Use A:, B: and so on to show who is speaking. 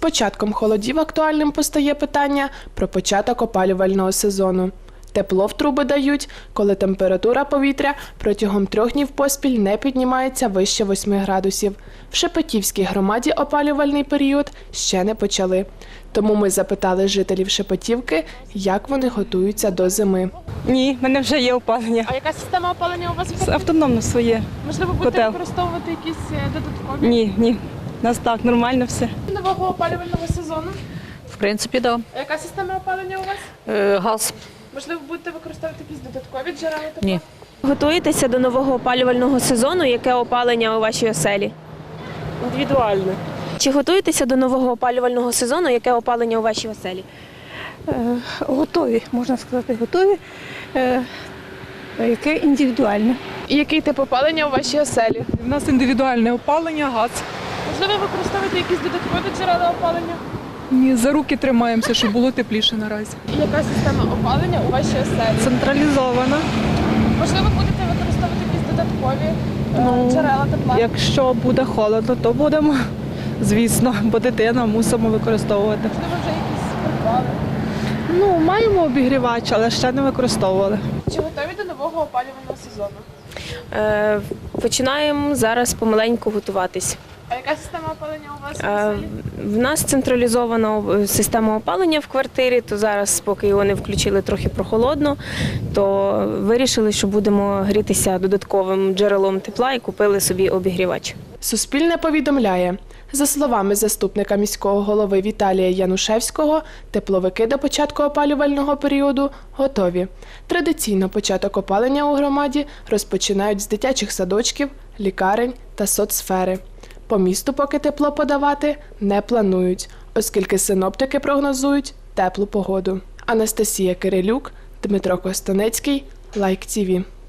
A: початком холодів актуальним постає питання про початок опалювального сезону. Тепло в труби дають, коли температура повітря протягом 3 днів поспіль не піднімається вище 8 градусів. В Шепетівській громаді опалювальний період ще не почали. Тому ми запитали жителів Шепетівки, як вони готуються до зими.
B: Ні, в мене вже є опалення.
A: А яка система опалення у вас?
B: Автономно своє.
A: Можливо, будете
B: Котел.
A: використовувати якісь додаткові?
B: Ні. У нас так, нормально все.
A: Нового опалювального сезону.
C: В принципі, так.
A: А яка система опалення у вас?
C: Газ.
A: Можливо, будете використовувати якісь додаткові джерела тепла?
C: Ні.
D: Готуєтеся до нового опалювального сезону? Яке опалення у вашій оселі?
B: Індивідуально.
D: Чи готуєтеся до нового опалювального сезону? Яке опалення у вашій оселі?
E: Готові, можна сказати, готові. Яке індивідуальне.
A: І який тип опалення у вашій оселі?
B: У нас індивідуальне опалення, газ.
A: Можливо, використовувати якісь додаткові джерела опалення?
B: Ні, за руки тримаємося, щоб було тепліше наразі.
A: І яка система опалення у вашій оселі?
B: Централізована.
A: Можливо, будете використовувати якісь додаткові джерела тепла?
B: Якщо буде холодно, то будемо, звісно, бо дитина мусимо використовувати.
A: Можливо, вже якісь придбали?
B: Маємо обігрівач, але ще не використовували.
A: Чи готові до нового опалювального сезону?
D: Починаємо зараз помаленьку готуватись.
A: А яка система опалення у вас в оселі?
D: В нас централізована система опалення в квартирі, то зараз, поки його не включили трохи прохолодно, то вирішили, що будемо грітися додатковим джерелом тепла і купили собі обігрівач.
A: Суспільне повідомляє. За словами заступника міського голови Віталія Янушевського, тепловики до початку опалювального періоду готові. Традиційно початок опалення у громаді розпочинають з дитячих садочків, лікарень та соцсфери. По місту поки тепло подавати не планують, оскільки синоптики прогнозують теплу погоду. Анастасія Кирилюк, Дмитро Костанецький, Лайк ТІВІ.